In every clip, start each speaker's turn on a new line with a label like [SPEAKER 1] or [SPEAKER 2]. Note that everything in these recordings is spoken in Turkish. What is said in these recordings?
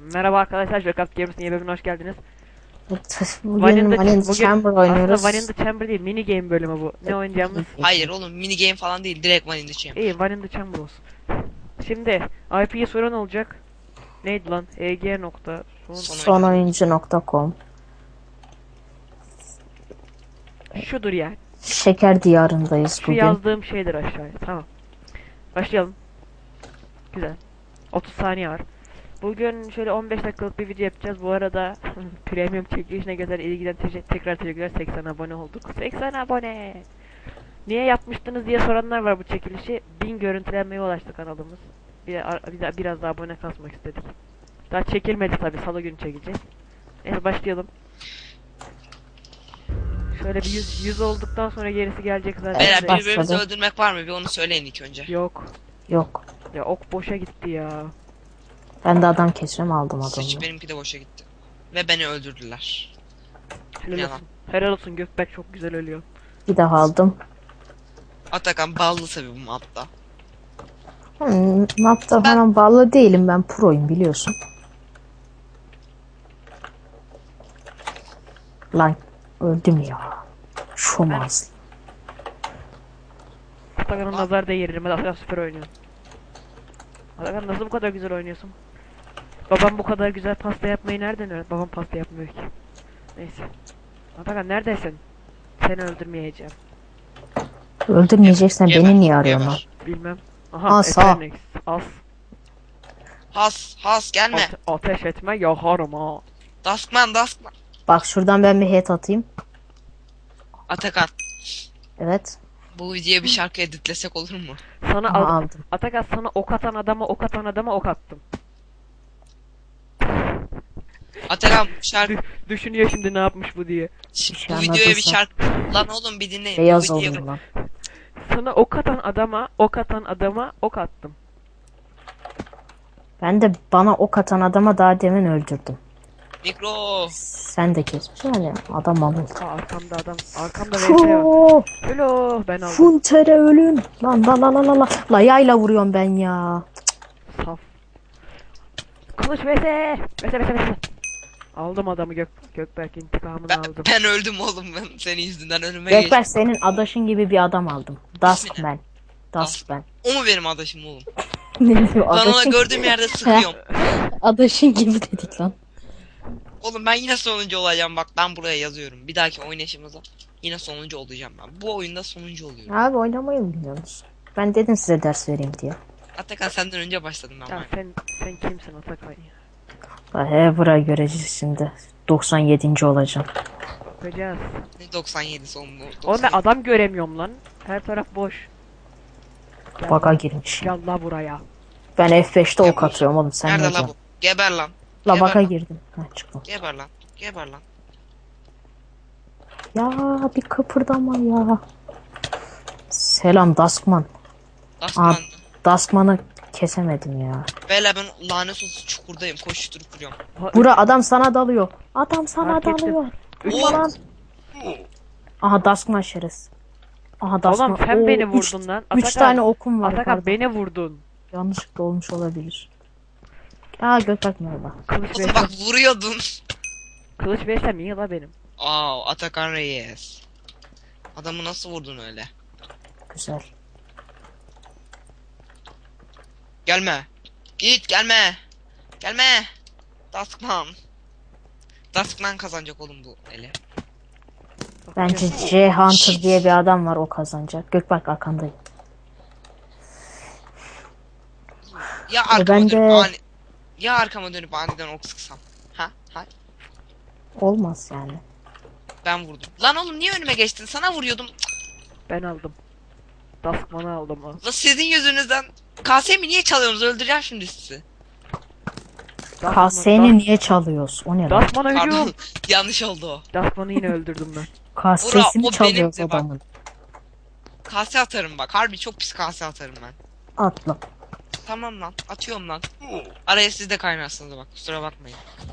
[SPEAKER 1] Merhaba arkadaşlar, Jackass Games'in yeni bölümüne hoş geldiniz.
[SPEAKER 2] Bugün Vanilla Chamber oynuyoruz.
[SPEAKER 1] Aslında One in the Chamber değil, mini game bölümü bu. Ne oynayacağımız?
[SPEAKER 3] Hayır oğlum, mini game falan değil, direkt One in the
[SPEAKER 1] İyi,
[SPEAKER 3] Chamber.
[SPEAKER 1] One in the Chamber olsun. Şimdi IP'ye soran olacak. Neydi lan? eg nokta
[SPEAKER 2] Sonoyuncu.com
[SPEAKER 1] şudur yani.
[SPEAKER 2] Şeker diyarındayız
[SPEAKER 1] Şu
[SPEAKER 2] bugün.
[SPEAKER 1] yazdığım şeydir aşağıya. Tamam. Başlayalım. Güzel. 30 saniye var. Bugün şöyle 15 dakikalık bir video yapacağız. Bu arada premium çekilişine göre ilgiden tekrar teşekkürler. 80 abone olduk. 80 abone. Niye yapmıştınız diye soranlar var bu çekilişi. 1000 görüntülenmeye ulaştı kanalımız. Biraz daha abone kasmak istedik. Daha çekilmedi tabi. Salı günü çekeceğiz. Neyse başlayalım. Şöyle bir 100 olduktan sonra gerisi gelecek zaten.
[SPEAKER 3] Beyler,
[SPEAKER 2] başladı.
[SPEAKER 3] birbirimizi öldürmek var mı? Bir onu söyleyin ilk önce.
[SPEAKER 1] Yok.
[SPEAKER 2] Yok.
[SPEAKER 1] Ya ok boşa gitti ya.
[SPEAKER 2] Ben de adam keseceğim, aldım
[SPEAKER 3] Sıç,
[SPEAKER 2] adamı.
[SPEAKER 3] benimki de boşa gitti. Ve beni öldürdüler.
[SPEAKER 1] Helal
[SPEAKER 3] Yalan.
[SPEAKER 1] olsun. Helal olsun, Gökberk çok güzel ölüyor.
[SPEAKER 2] Bir daha aldım.
[SPEAKER 3] Atakan ballı tabi bu mapta.
[SPEAKER 2] Mapta falan bağlı değilim, ben proyum biliyorsun. Lan öldüm ya. Şomaz.
[SPEAKER 1] Atakan'ın nazar değirdim. Atakan süper oynuyor. Atakan nasıl bu kadar güzel oynuyorsun? Babam bu kadar güzel pasta yapmayı nereden öğrendi? Babam pasta yapmıyor ki. Neyse. Atakan neredesin? Seni öldürmeyeceğim.
[SPEAKER 2] Öldürmeyeceksen
[SPEAKER 3] Geber,
[SPEAKER 2] beni niye arıyorsun lan?
[SPEAKER 3] geber.
[SPEAKER 1] Bilmem. Aha,
[SPEAKER 2] As, ha.
[SPEAKER 1] Eternix. As.
[SPEAKER 3] Has gelme.
[SPEAKER 1] Ateş etme yakarım ha.
[SPEAKER 3] Duskman.
[SPEAKER 2] Bak şuradan ben bir head atayım.
[SPEAKER 3] Atakan,
[SPEAKER 2] Evet.
[SPEAKER 3] bu videoya bir şarkı editlesek olur mu?
[SPEAKER 1] Sana
[SPEAKER 2] Aha, aldım.
[SPEAKER 1] Atakan sana ok atan adama ok attım.
[SPEAKER 3] Atakan, bu şarkı...
[SPEAKER 1] Düşünüyor şimdi ne yapmış bu diye.
[SPEAKER 2] şey
[SPEAKER 3] Bu videoya bir
[SPEAKER 2] anlatırsan.
[SPEAKER 3] şarkı... Lan oğlum bir dinleyin.
[SPEAKER 2] Beyaz
[SPEAKER 3] Bu videoya...
[SPEAKER 2] olayım lan.
[SPEAKER 1] Sana ok atan adama ok attım.
[SPEAKER 2] Ben de bana ok atan adama daha demin öldürdüm.
[SPEAKER 3] Mikro.
[SPEAKER 2] Sen de kesmiş yani adam alır.
[SPEAKER 1] Aa, arkamda VS var.
[SPEAKER 2] Fuuu.
[SPEAKER 1] Hello, ben aldım.
[SPEAKER 2] Funtere ölün. Lan la la la la la. La yayla vuruyorum ben ya.
[SPEAKER 1] Saf. Kılıç vs. Aldım adamı, Gökberk intikamını aldım.
[SPEAKER 3] Ben öldüm oğlum, ben senin yüzünden önüme
[SPEAKER 2] Gökberk
[SPEAKER 3] geçtim.
[SPEAKER 2] senin adaşın gibi bir adam aldım. Duskman. Duskman.
[SPEAKER 3] O mu benim adaşım oğlum?
[SPEAKER 2] Ne diyor
[SPEAKER 3] Ben ona
[SPEAKER 2] adaşın?
[SPEAKER 3] gördüğüm yerde sıkıyorum.
[SPEAKER 2] Adaşın gibi dedik lan.
[SPEAKER 3] Oğlum ben yine sonuncu olacağım, bak ben buraya yazıyorum. Bir dahaki oynayışımızda yine sonuncu olacağım ben. Bu oyunda sonuncu oluyorum.
[SPEAKER 2] Abi oynamayı mı biliyorsunuz? Ben dedim size ders vereyim diye.
[SPEAKER 3] Atakan senden önce başladım ben.
[SPEAKER 1] Ya sen kimsin Atakan ya?
[SPEAKER 2] He burayı göreceğiz şimdi. 97. olacağım.
[SPEAKER 1] Bakacağız.
[SPEAKER 3] Ne 97 oğlum?
[SPEAKER 1] Oğlum ben adam göremiyorum lan. Her taraf boş. Gel
[SPEAKER 2] Baka
[SPEAKER 1] lan.
[SPEAKER 2] girmiş.
[SPEAKER 1] Gel la buraya.
[SPEAKER 2] Ben F5'te ok atıyorum oğlum, sen ne
[SPEAKER 3] Nerede la
[SPEAKER 2] diyorsun?
[SPEAKER 3] bu? Geber lan.
[SPEAKER 2] La
[SPEAKER 3] Geber
[SPEAKER 2] baka
[SPEAKER 3] lan.
[SPEAKER 2] girdim. Ha çıktım.
[SPEAKER 3] Geber lan. Geber lan.
[SPEAKER 2] Ya bir kıpırdama ya. Selam Duskman.
[SPEAKER 3] Duskman.
[SPEAKER 2] Duskman'ı kesemedim ya.
[SPEAKER 3] Beyler ben lanet olsun çukurdayım. Koşturup duruyorum.
[SPEAKER 2] Bura adam sana dalıyor. Adam sana
[SPEAKER 1] Fark ettim.
[SPEAKER 2] dalıyor.
[SPEAKER 1] Üç
[SPEAKER 3] Oğlum.
[SPEAKER 2] Lan. Aha Duskman şerefsiz. Aha Duskman.
[SPEAKER 1] Oğlum sen
[SPEAKER 2] Oo,
[SPEAKER 1] beni
[SPEAKER 2] üç-
[SPEAKER 1] vurdun lan.
[SPEAKER 2] Üç
[SPEAKER 1] Atakan,
[SPEAKER 2] tane okum var.
[SPEAKER 1] Atakan
[SPEAKER 2] pardon.
[SPEAKER 1] beni vurdun.
[SPEAKER 2] Yanlışlıkla olmuş olabilir. Aa Gökberk merhaba.
[SPEAKER 1] Kılıç
[SPEAKER 3] Oğlum bak
[SPEAKER 1] vs.
[SPEAKER 3] vuruyordun.
[SPEAKER 1] Kılıç vs iyi la benim.
[SPEAKER 3] Aa, Atakan Reyes. Adamı nasıl vurdun öyle?
[SPEAKER 2] Güzel.
[SPEAKER 3] Gelme. Git gelme. Gelme. Duskman. Duskman kazanacak oğlum bu ele.
[SPEAKER 2] Bence J Hunter diye bir adam var, o kazanacak. Gökberk arkandayım.
[SPEAKER 3] Ya arkama
[SPEAKER 2] ben
[SPEAKER 3] dönüp
[SPEAKER 2] de-
[SPEAKER 3] ani... Ya arkama dönüp aniden ok sıksam. Ha? Ha?
[SPEAKER 2] Olmaz yani.
[SPEAKER 3] Ben vurdum. Lan oğlum niye önüme geçtin? Sana vuruyordum.
[SPEAKER 1] Ben aldım. Duskman'ı aldım ha.
[SPEAKER 3] La sizin yüzünüzden. KS'mi niye çalıyorsunuz? Öldüreceğim şimdi sizi.
[SPEAKER 2] Kase'ni niye çalıyoruz? O ne lan?
[SPEAKER 1] Duskman'a hücum.
[SPEAKER 3] Pardon. Yanlış oldu o.
[SPEAKER 1] Duskman'ı yine öldürdüm ben.
[SPEAKER 2] Kasesini
[SPEAKER 3] Bura, o
[SPEAKER 2] çalıyoruz
[SPEAKER 3] benim de bak.
[SPEAKER 2] adamın.
[SPEAKER 3] Kase atarım bak. Harbi çok pis kase atarım ben.
[SPEAKER 2] Atla.
[SPEAKER 3] Tamam lan. Atıyorum lan. Araya siz de kaynarsınız bak. Kusura bakmayın.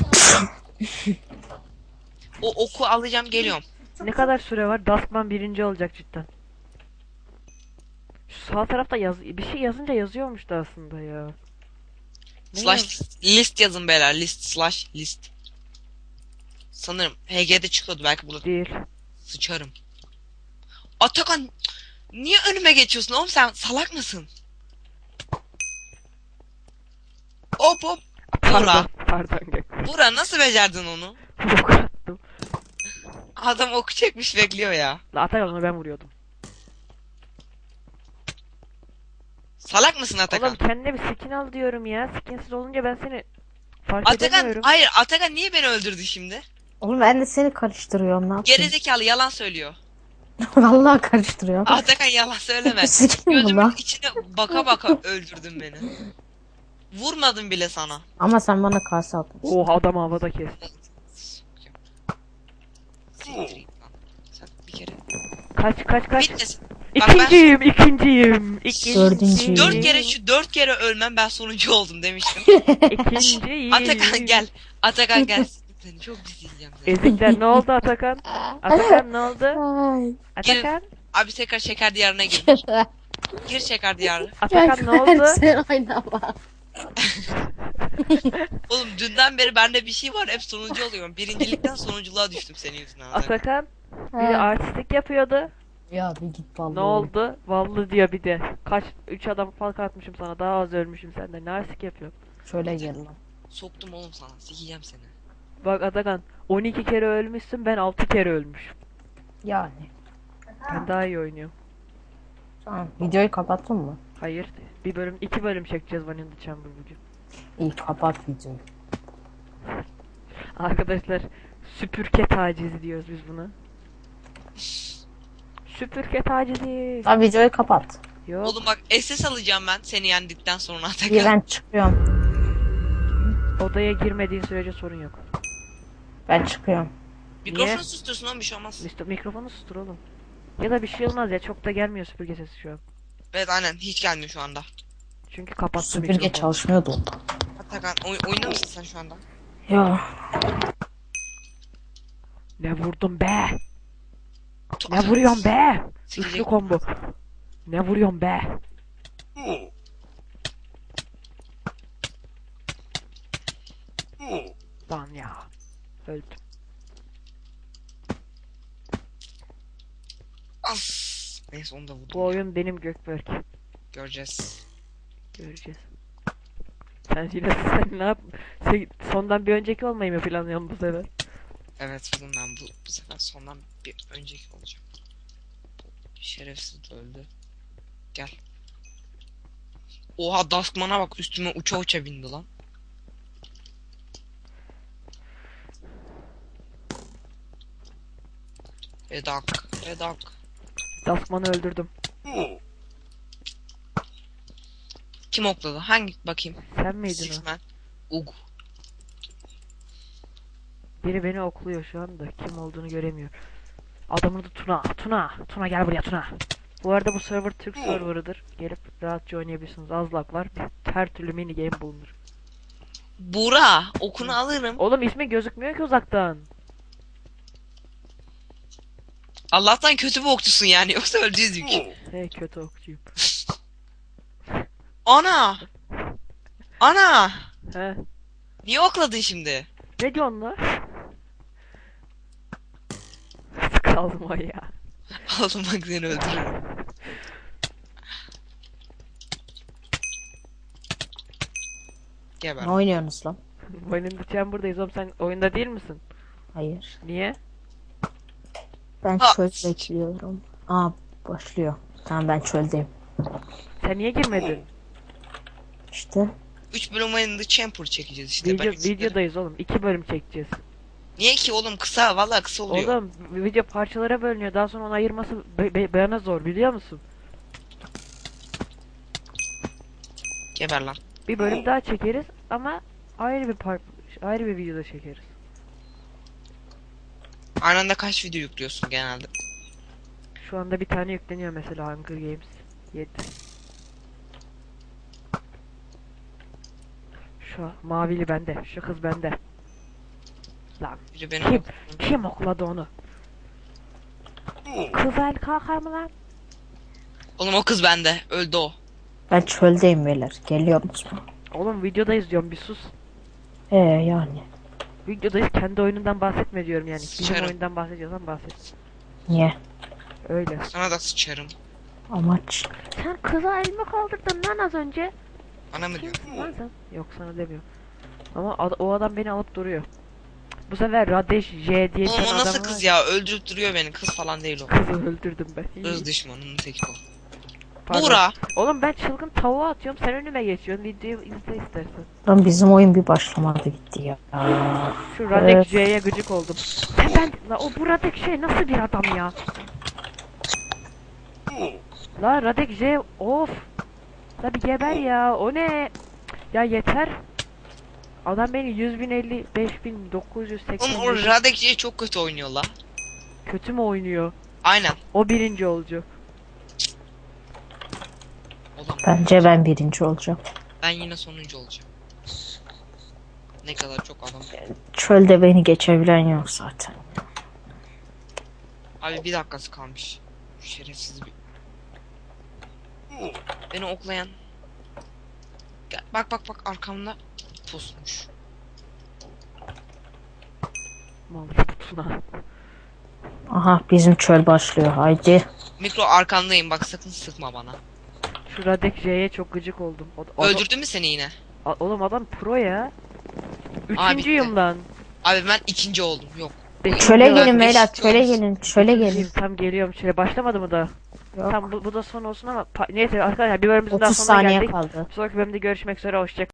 [SPEAKER 3] O oku alacağım, geliyorum.
[SPEAKER 1] Ne kadar süre var? Duskman birinci olacak cidden. Şu sağ tarafta bir şey yazınca yazıyormuş da aslında ya. Ne
[SPEAKER 3] Slash list yazın beyler. List slash list. Sanırım HG'de çıkıyordu, belki burada
[SPEAKER 1] Değil.
[SPEAKER 3] sıçarım. Atakan, niye önüme geçiyorsun oğlum, sen salak mısın? Hop hop. Buğra.
[SPEAKER 1] Pardon Gökberk.
[SPEAKER 3] Buğra nasıl becerdin onu?
[SPEAKER 1] Ok attım.
[SPEAKER 3] Adam oku çekmiş bekliyor ya.
[SPEAKER 1] La Atakan onu ben vuruyordum.
[SPEAKER 3] Salak mısın Atakan?
[SPEAKER 1] Oğlum kendine bir skin al diyorum ya. Skinsiz olunca ben seni fark
[SPEAKER 3] Atakan,
[SPEAKER 1] edemiyorum.
[SPEAKER 3] hayır, Atakan niye beni öldürdü şimdi?
[SPEAKER 2] Oğlum ben de seni karıştırıyorum, ne yapayım?
[SPEAKER 3] Gerizekalı, yalan söylüyor.
[SPEAKER 2] Vallahi karıştırıyorum.
[SPEAKER 3] Atakan yalan söyleme.
[SPEAKER 2] Sikim bu
[SPEAKER 3] Gözümün
[SPEAKER 2] lan.
[SPEAKER 3] içine baka baka öldürdün beni. Vurmadım bile sana.
[SPEAKER 2] Ama sen bana kase atmışsın.
[SPEAKER 1] Oha adam havada kes.
[SPEAKER 3] Siktir git lan. Sen bir kere.
[SPEAKER 1] Kaç.
[SPEAKER 3] Bitmesin. Bak ben
[SPEAKER 1] İkinciyim.
[SPEAKER 2] Dördüncüyüm.
[SPEAKER 3] dört kere ölmem, ben sonuncu oldum demiştim.
[SPEAKER 1] İkinciyim.
[SPEAKER 3] Atakan gel. Atakan gel. Seni çok izleyeceğim seni.
[SPEAKER 1] Ezikler ne oldu Atakan? Atakan ne oldu?
[SPEAKER 2] Ay.
[SPEAKER 1] Atakan?
[SPEAKER 3] Abi tekrar şeker diyarına gir. Gir şeker diyarına.
[SPEAKER 1] Atakan ne oldu?
[SPEAKER 2] Sen oynama.
[SPEAKER 3] Oğlum dünden beri bende bir şey var, hep sonuncu oluyorum. Birincilikten sonunculuğa düştüm senin yüzünden.
[SPEAKER 1] Atakan biri artistlik yapıyordu.
[SPEAKER 2] Ya bir git vallahi.
[SPEAKER 1] Ne oldu? Vallahi diyor bir de. 3 adam falk atmışım sana, daha az ölmüşüm senden. Ne artistik yapıyor?
[SPEAKER 2] Şöyle gel lan.
[SPEAKER 3] Soktum oğlum sana. Sikeceğim seni.
[SPEAKER 1] Bak Atakan 12 kere ölmüşsün, ben 6 kere ölmüşüm.
[SPEAKER 2] Yani.
[SPEAKER 1] Ben daha iyi oynuyorum.
[SPEAKER 2] Tamam. Videoyu kapattın mı?
[SPEAKER 1] Hayır. 2 bölüm çekeceğiz Vanilla Chamber bugün.
[SPEAKER 2] İyi, kapat videoyu.
[SPEAKER 1] Arkadaşlar süpürge tacizi diyoruz biz buna. Süpürge tacizi.
[SPEAKER 2] Abi videoyu kapat.
[SPEAKER 1] Yok.
[SPEAKER 3] Oğlum bak, SS alacağım ben seni yendikten sonra Atakan.
[SPEAKER 2] İyi, ben çıkıyorum.
[SPEAKER 1] Odaya girmediğin sürece sorun yok.
[SPEAKER 2] Ben çıkıyorum.
[SPEAKER 3] Mikrofonu
[SPEAKER 1] Niye?
[SPEAKER 3] sustursun oğlum, bir şey olmaz.
[SPEAKER 1] Mikrofonu sustur oğlum. Ya da bir şey olmaz ya, çok da gelmiyor süpürge sesi şu an.
[SPEAKER 3] Evet aynen, hiç gelmiyor şu anda.
[SPEAKER 1] Çünkü kapattı
[SPEAKER 2] Süpürge
[SPEAKER 1] mikrofonu.
[SPEAKER 2] çalışmıyordu.
[SPEAKER 3] Atakan oyunda mısın sen şu anda?
[SPEAKER 2] Ya.
[SPEAKER 1] Ne vurdum be? Ne
[SPEAKER 3] Atakan,
[SPEAKER 1] vuruyorsun be?
[SPEAKER 3] sikecek.
[SPEAKER 1] Üçlü combo. Ne vuruyorsun be? Lan ya. Öldüm.
[SPEAKER 3] As. Neyse, onu da vurdum.
[SPEAKER 1] Bu oyun benim Gökberk.
[SPEAKER 3] Göreceğiz.
[SPEAKER 1] Göreceğiz. Sen ne yap? Sondan bir önceki olmayı mı planlıyorsun bu sefer?
[SPEAKER 3] Evet oğlum, ben bu sefer sondan bir önceki olacağım. Şerefsiz öldü. Gel. Oha, Duskman'a bak, üstüme uça uça bindi lan. Redak.
[SPEAKER 1] Duskman'ı öldürdüm.
[SPEAKER 3] Kim okladı? Hangi bakayım?
[SPEAKER 1] Sen miydin o?
[SPEAKER 3] Sixman. Ug.
[SPEAKER 1] Biri beni okluyor şu anda. Kim olduğunu göremiyor. Adamın adı Tuna. Tuna gel buraya Tuna. Bu arada bu server Türk serverıdır. Gelip rahatça oynayabilirsiniz. Az lag var. Her türlü mini game bulunur.
[SPEAKER 3] Buğra, okunu alırım.
[SPEAKER 1] Oğlum ismi gözükmüyor ki uzaktan.
[SPEAKER 3] Allah'tan kötü bir okçusun yani, yoksa öldüydük.
[SPEAKER 1] Hey kötü okçuyum.
[SPEAKER 3] Ana!
[SPEAKER 1] He.
[SPEAKER 3] Niye okladın şimdi?
[SPEAKER 1] Ne diyorsun lan? Kalma ya.
[SPEAKER 3] Oğlum bak, seni öldürürüm. Geber.
[SPEAKER 2] Ne oynuyorsunuz lan?
[SPEAKER 1] Vanilla Chamber'dayız oğlum, sen oyunda değil misin?
[SPEAKER 2] Hayır.
[SPEAKER 1] Niye?
[SPEAKER 2] Ben
[SPEAKER 3] Ha.
[SPEAKER 2] çöl bekliyorum. Aa, başlıyor. Tamam, ben çöldeyim.
[SPEAKER 1] Sen niye girmedin?
[SPEAKER 2] İşte.
[SPEAKER 3] 3 bölüm ayında Chamber çekeceğiz işte. Ben
[SPEAKER 1] Videodayız oğlum. 2 bölüm çekeceğiz.
[SPEAKER 3] Niye ki oğlum, kısa, vallahi kısa oluyor.
[SPEAKER 1] Oğlum video parçalara bölünüyor. Daha sonra onu ayırması bana zor, biliyor musun?
[SPEAKER 3] Geber lan.
[SPEAKER 1] Bir bölüm daha çekeriz ama ayrı bir videoda çekeriz.
[SPEAKER 3] Aynı anda kaç video yüklüyorsun genelde?
[SPEAKER 1] Şu anda bir tane yükleniyor mesela, Hunger Games 7. Şu mavili bende, şu kız bende. Lan
[SPEAKER 3] Biri benim
[SPEAKER 1] kim okladı onu? Kız el kalkar mı lan?
[SPEAKER 3] Oğlum o kız bende. Öldü o.
[SPEAKER 2] Ben çöldeyim beyler. Geliyor musun?
[SPEAKER 1] Oğlum videodayız diyorum, bir sus.
[SPEAKER 2] Yani.
[SPEAKER 1] Videodayız, kendi oyunundan bahsetme diyorum yani. Bizim
[SPEAKER 3] Sıçarım.
[SPEAKER 1] oyundan bahsediyorsan bahset.
[SPEAKER 2] Niye?
[SPEAKER 1] Öyle.
[SPEAKER 3] Sana da sıçarım.
[SPEAKER 2] Amaç.
[SPEAKER 1] Sen kıza elma kaldırdın lan az önce.
[SPEAKER 3] Bana mı diyorsun?
[SPEAKER 1] Lan sen. Yok, sana demiyorum. Ama o adam beni alıp duruyor. Bu sefer Radesh J diye bir
[SPEAKER 3] Oğlum
[SPEAKER 1] tane
[SPEAKER 3] o
[SPEAKER 1] adam
[SPEAKER 3] nasıl
[SPEAKER 1] var.
[SPEAKER 3] kız ya? Öldürüp duruyor beni. Kız falan değil o.
[SPEAKER 1] Kızı öldürdüm ben.
[SPEAKER 3] Kız düşmanının teki o.
[SPEAKER 1] Pardon.
[SPEAKER 3] Buğra.
[SPEAKER 1] Oğlum ben çılgın tavuğa atıyorum, sen önüme geçiyorsun. Videoyu izle istersen.
[SPEAKER 2] Lan bizim oyun bir başlamadı gitti ya.
[SPEAKER 1] Şu Radek
[SPEAKER 2] Evet.
[SPEAKER 1] J'ye gıcık oldum. Sen la o bu Radek J nasıl bir adam ya? La Radek J of. La bir geber ya, o ne? Ya yeter. Adam beni 100.050 5.980
[SPEAKER 3] Oğlum o Radekçi çok kötü oynuyor la.
[SPEAKER 1] kötü mü oynuyor?
[SPEAKER 3] Aynen.
[SPEAKER 1] O birinci olacak.
[SPEAKER 3] Oğlum
[SPEAKER 2] Bence ben birinci olacağım.
[SPEAKER 3] ben yine sonuncu olacağım. Ne kadar çok adam.
[SPEAKER 2] Çölde beni geçebilen yok zaten.
[SPEAKER 3] Abi bir dakikası kalmış. Şerefsiz bir. Beni oklayan. Gel, bak bak bak arkamda pusmuş.
[SPEAKER 1] Mal putuna.
[SPEAKER 2] Aha bizim çöl başlıyor. Haydi.
[SPEAKER 3] Mikro arkandayım bak sakın sıkma bana.
[SPEAKER 1] Şu Radek J'ye çok gıcık oldum.
[SPEAKER 3] Öldürdü mü seni yine?
[SPEAKER 1] Oğlum adam pro ya.
[SPEAKER 3] Abi
[SPEAKER 1] Üçüncüyüm lan.
[SPEAKER 3] Abi ben ikinci oldum. Yok.
[SPEAKER 2] Çöle
[SPEAKER 1] Beşinci
[SPEAKER 2] gelin
[SPEAKER 3] Ben
[SPEAKER 2] beyler.
[SPEAKER 3] beşinci
[SPEAKER 2] Çöle
[SPEAKER 3] olmuşum.
[SPEAKER 2] gelin. Çöle gelin.
[SPEAKER 1] Üçüncüyüm, tam geliyorum. Şöyle başlamadı mı da?
[SPEAKER 2] Yok.
[SPEAKER 1] Tam bu da son olsun ama neyse arkadaşlar, bir bölümümüzün daha
[SPEAKER 2] 30
[SPEAKER 1] sonuna
[SPEAKER 2] saniye
[SPEAKER 1] geldik.
[SPEAKER 2] kaldı.
[SPEAKER 1] Bir sonraki bölümde görüşmek üzere, hoşçakalın.